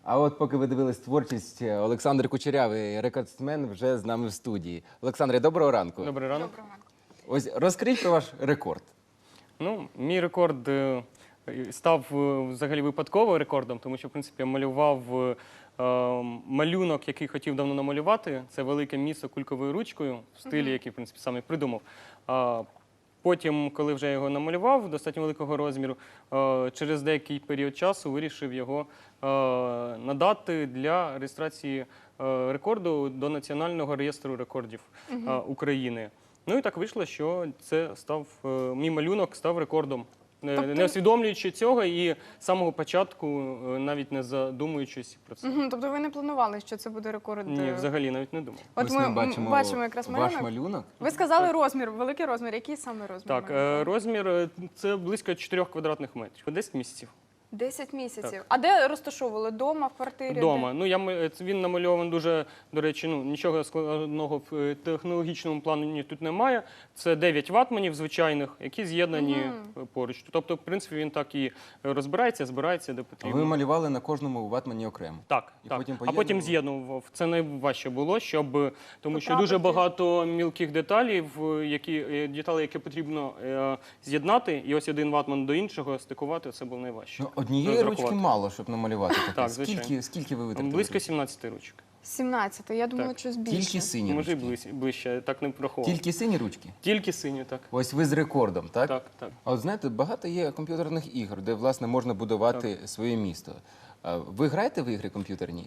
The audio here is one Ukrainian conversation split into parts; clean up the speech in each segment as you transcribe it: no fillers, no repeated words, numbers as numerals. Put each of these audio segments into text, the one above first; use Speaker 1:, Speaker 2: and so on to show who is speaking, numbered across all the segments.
Speaker 1: А от поки ви дивились творчість, Олександр Кучерявий, рекордсмен, вже з нами в студії. Олександре, доброго ранку.
Speaker 2: Добрий ранок.
Speaker 1: Ось розкажіть про ваш рекорд.
Speaker 2: Ну, мій рекорд став взагалі випадково рекордом, тому що, в принципі, я малював малюнок, який хотів давно намалювати. Це велике місто кульковою ручкою, в стилі, який, в принципі, саме придумав. Потім, коли вже його намалював, достатньо великого розміру, через деякий період часу вирішив його надати для реєстрації рекорду до Національного реєстру рекордів України. Ну і так вийшло, що це став, мій малюнок став рекордом. Не усвідомлюючи цього і з самого початку, навіть не задумуючись про це.
Speaker 3: Тобто ви не планували, що це буде рекорд?
Speaker 2: Ні, взагалі навіть не думав.
Speaker 3: От ми бачимо якраз малюнок.
Speaker 1: Ваш малюнок.
Speaker 3: Ви сказали розмір, великий розмір. Який саме розмір?
Speaker 2: Так, розмір – це близько 4 квадратних метрів, 10 місяців.
Speaker 3: 10 місяців. А де розташовували? Дома, в квартирі?
Speaker 2: Дома. Ну, він намальований дуже, до речі, нічого складного в технологічному плані тут немає. Це 9 ватманів звичайних, які з'єднані поруч. Тобто, в принципі, він так і розбирається, збирається, де потрібно.
Speaker 1: Ви малювали на кожному ватмані окремо?
Speaker 2: Так,
Speaker 1: І
Speaker 2: так.
Speaker 1: потім
Speaker 2: А потім з'єднував. Це найважче було, тому що дуже багато мілких деталей, які потрібно з'єднати, і ось один ватман до іншого стикувати, це було найважче.
Speaker 1: Однієї ручки мало, щоб намалювати таке.
Speaker 2: Так, звичайно.
Speaker 1: Скільки ви витратили?
Speaker 2: Близько 17 ручок.
Speaker 3: 17, я думала, щось більше.
Speaker 1: Тільки сині
Speaker 2: Може, і
Speaker 1: ручки?
Speaker 2: ближче, так не враховував.
Speaker 1: Тільки сині ручки?
Speaker 2: Тільки сині, так.
Speaker 1: Ось ви з рекордом, так?
Speaker 2: Так, так.
Speaker 1: А от знаєте, багато є комп'ютерних ігор, де, власне, можна будувати своє місто. Ви граєте в ігри комп'ютерні?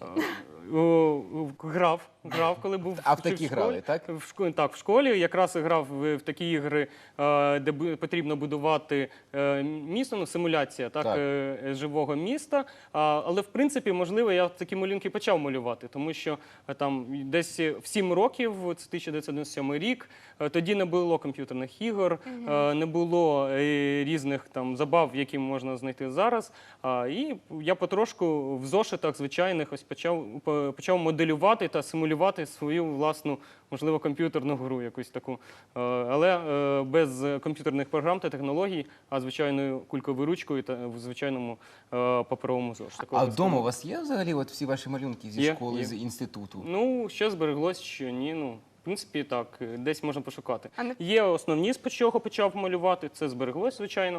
Speaker 2: Грав, коли був
Speaker 1: А в такі грали, так?
Speaker 2: Так, в школі якраз грав в такі ігри, де потрібно будувати місто, ну, симуляція живого міста. Але, в принципі, можливо, я такі малюнки почав малювати, тому що там десь в 7 років, це 1997 рік, тоді не було комп'ютерних ігор, не було різних там забав, які можна знайти зараз. І я потрошку в зошитах звичайних ось почав моделювати та симулювати свою власну, можливо, комп'ютерну гру якусь таку. Але без комп'ютерних програм та технологій, а звичайною кульковою ручкою та в звичайному паперовому зошитку.
Speaker 1: А вдома у вас є взагалі от всі ваші малюнки зі школи, з інституту?
Speaker 2: Ну, що збереглось, що ні. Ну, в принципі, так, десь можна пошукати.
Speaker 3: не-
Speaker 2: Є основні, з чого почав малювати, це збереглось, звичайно.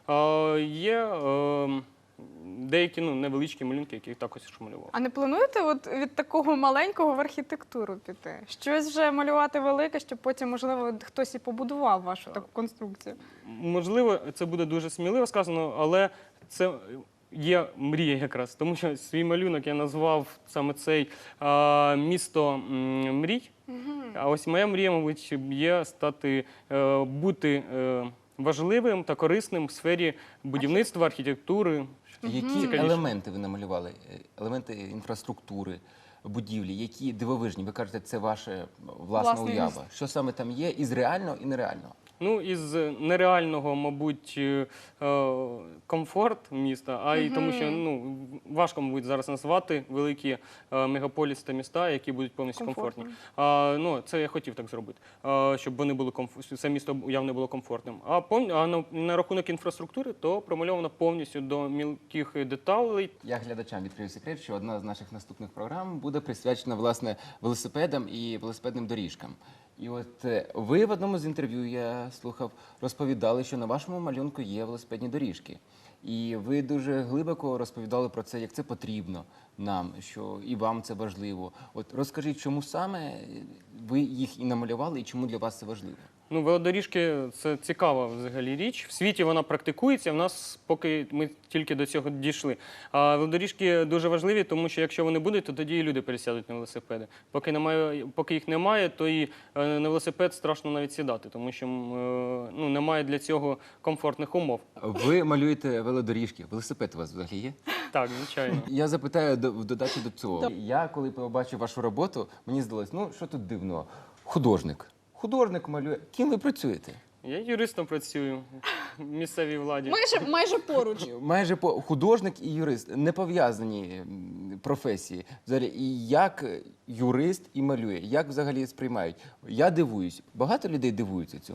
Speaker 2: Є деякі невеличкі малюнки, які також малював.
Speaker 3: А не плануєте от від такого маленького в архітектуру піти? Щось вже малювати велике, щоб потім, можливо, хтось і побудував вашу таку конструкцію?
Speaker 2: Можливо, це буде дуже сміливо сказано, але це є мрія якраз. Тому що свій малюнок я назвав саме цей «Місто мрій». А ось моя мрія, мабуть, є бути важливим та корисним в сфері будівництва, архітектури.
Speaker 1: Які елементи ви намалювали? Елементи інфраструктури, будівлі, які дивовижні? Ви кажете, це ваша власна
Speaker 3: Власне
Speaker 1: уява.
Speaker 3: місто.
Speaker 1: Що саме там є із реального і нереального?
Speaker 2: Ну, із нереального, мабуть, комфорт міста, а й тому, що важко, мабуть, зараз назвати великі мегаполіси та міста, які будуть повністю комфортні. Це я хотів так зробити, щоб вони були це місто явно було комфортним. А на рахунок інфраструктури, то промальовано повністю до мілких деталей.
Speaker 1: Я глядачам відкрию секрет, що одна з наших наступних програм буде присвячена, власне, велосипедам і велосипедним доріжкам. І от ви в одному з інтерв'ю, я слухав, розповідали, що на вашому малюнку є велосипедні доріжки. І ви дуже глибоко розповідали про це, як це потрібно нам, що і вам це важливо. От розкажіть, чому саме ви їх і намалювали, і чому для вас це важливо?
Speaker 2: Ну, велодоріжки – це цікава взагалі річ. В світі вона практикується, в нас поки ми тільки до цього дійшли. А велодоріжки дуже важливі, тому що якщо вони будуть, то тоді і люди пересядуть на велосипеди. Поки їх немає, то і на велосипед страшно навіть сідати, тому що немає для цього комфортних умов.
Speaker 1: Ви малюєте велодоріжки. Велосипед у вас взагалі є?
Speaker 2: Так, звичайно.
Speaker 1: Я запитаю в додачу до цього. Я, коли побачив вашу роботу, мені здалось, що тут дивного? Художник. Художник малює. Ким ви працюєте?
Speaker 2: Я юристом працюю в місцевій владі.
Speaker 3: Майже поруч.
Speaker 1: Майже художник і юрист. Не пов'язані професії. Взагалі, і як юрист і малює? Як взагалі сприймають? Я дивуюсь. Багато людей дивуються цьому?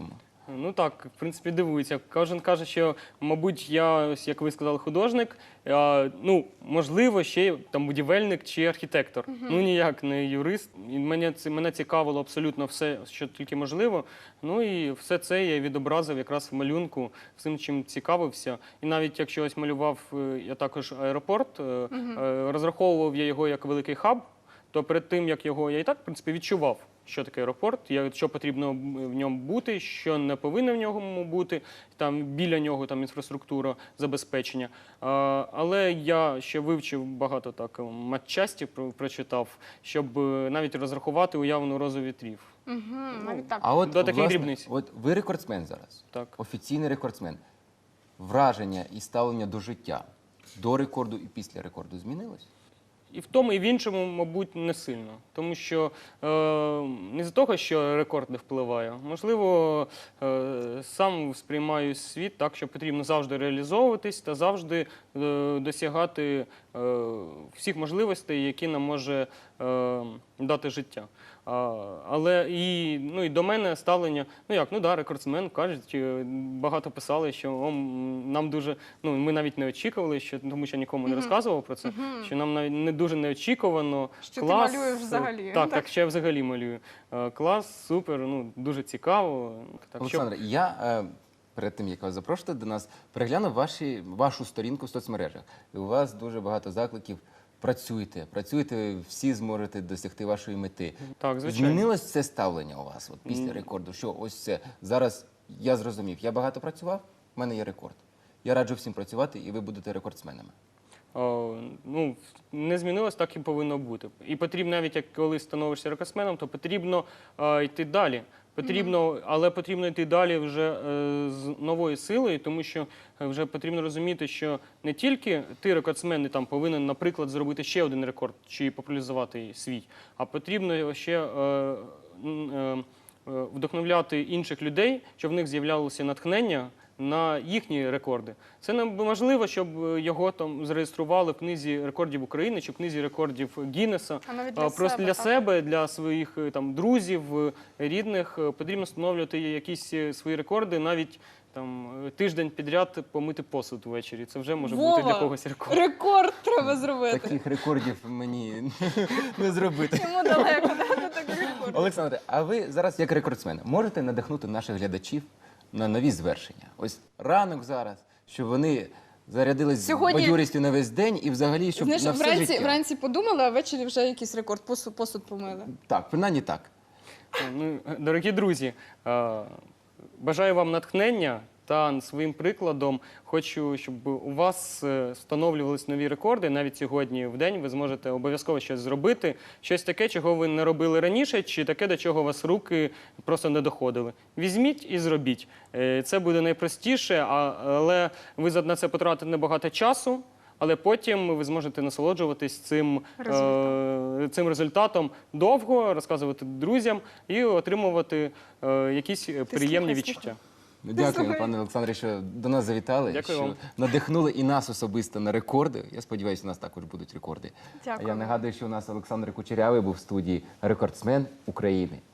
Speaker 2: Ну так, в принципі, дивується. Кожен каже, що, мабуть, я, ось, як ви сказали, художник, ну, можливо, ще й там будівельник чи архітектор. Ну, ніяк не юрист. І мене цікавило абсолютно все, що тільки можливо. Ну і все це я відобразив якраз в малюнку, всім, чим цікавився. І навіть якщо ось малював я також аеропорт, розраховував я його як великий хаб, то перед тим, як його я і так, в принципі, відчував, що таке аеропорт, що потрібно в ньому бути, що не повинно в ньому бути, там біля нього там інфраструктура, забезпечення. Але я ще вивчив багато так матчастів, прочитав, щоб навіть розрахувати уявну розу вітрів.
Speaker 3: Навіть так.
Speaker 1: А от,
Speaker 2: До таких
Speaker 1: власне,
Speaker 2: дрібниць.
Speaker 1: от ви рекордсмен зараз,
Speaker 2: Так.
Speaker 1: офіційний рекордсмен. Враження і ставлення до життя до рекорду і після рекорду змінилось?
Speaker 2: І в тому, і в іншому, мабуть, не сильно. Тому що не з-за того, що рекорд не впливає. Можливо, сам сприймаю світ так, що потрібно завжди реалізовуватись та завжди досягати всіх можливостей, які нам може дати життя. Але і до мене ставлення, рекордсмен, кажуть, багато писали, що нам дуже, ми навіть не очікували, тому що нікому не розказував про це, що нам навіть не дуже неочікувано.
Speaker 3: Що
Speaker 2: клас,
Speaker 3: ти малюєш взагалі.
Speaker 2: Так, що я взагалі малюю. Клас, супер, дуже цікаво. Так,
Speaker 1: Олександре, я перед тим, як вас запрошувати до нас, переглянув вашу сторінку в соцмережах. І у вас дуже багато закликів. Працюйте, всі зможете досягти вашої мети.
Speaker 2: Так, звичайно.
Speaker 1: Змінилось це ставлення у вас після рекорду? Що ось це зараз я зрозумів, я багато працював, в мене є рекорд. Я раджу всім працювати, і ви будете рекордсменами.
Speaker 2: Не змінилось, так і повинно бути. І потрібно, навіть коли становишся рекордсменом, то потрібно йти далі. Але потрібно йти далі вже з новою силою, тому що вже потрібно розуміти, що не тільки ти рекордсмен там повинен, наприклад, зробити ще один рекорд чи популяризувати свій, а потрібно ще вдохновляти інших людей, щоб в них з'являлося натхнення на їхні рекорди. Це неможливо, щоб його там зареєстрували в книзі рекордів України чи в книзі рекордів Гіннеса.
Speaker 3: А навіть
Speaker 2: Просто для себе, для своїх там друзів, рідних потрібно встановлювати якісь свої рекорди, навіть там тиждень підряд помити посуд ввечері. Це вже може бути для когось рекорд.
Speaker 3: Рекорд треба зробити.
Speaker 1: Таких рекордів мені не зробити.
Speaker 3: Йому далеко до таких рекордів.
Speaker 1: Олександре, а ви зараз як рекордсмен можете надихнути наших глядачів на нові звершення? Ось ранок зараз, щоб вони зарядились
Speaker 3: Сьогодні-
Speaker 1: бадьорістю на весь день і взагалі, щоб
Speaker 4: Знаєш,
Speaker 1: на все життя.
Speaker 4: вранці подумали, а ввечері вже якийсь рекорд, посуд помили.
Speaker 1: Так, принаймні так.
Speaker 2: Дорогі друзі, бажаю вам натхнення та своїм прикладом хочу, щоб у вас встановлювались нові рекорди. Навіть сьогодні в день ви зможете обов'язково щось зробити, щось таке, чого ви не робили раніше, чи таке, до чого у вас руки просто не доходили. Візьміть і зробіть. Це буде найпростіше, але ви на це потратите небагато часу. Але потім ви зможете насолоджуватись цим результатом довго, розказувати друзям і отримувати якісь приємні відчуття.
Speaker 1: Дякую, пане Олександре, що до нас завітали,
Speaker 2: Дякую
Speaker 1: що
Speaker 2: вам.
Speaker 1: надихнули і нас особисто на рекорди. Я сподіваюся, у нас також будуть рекорди.
Speaker 3: Дякую.
Speaker 1: Я нагадую, що у нас Олександр Кучерявий був в студії, рекордсмен України.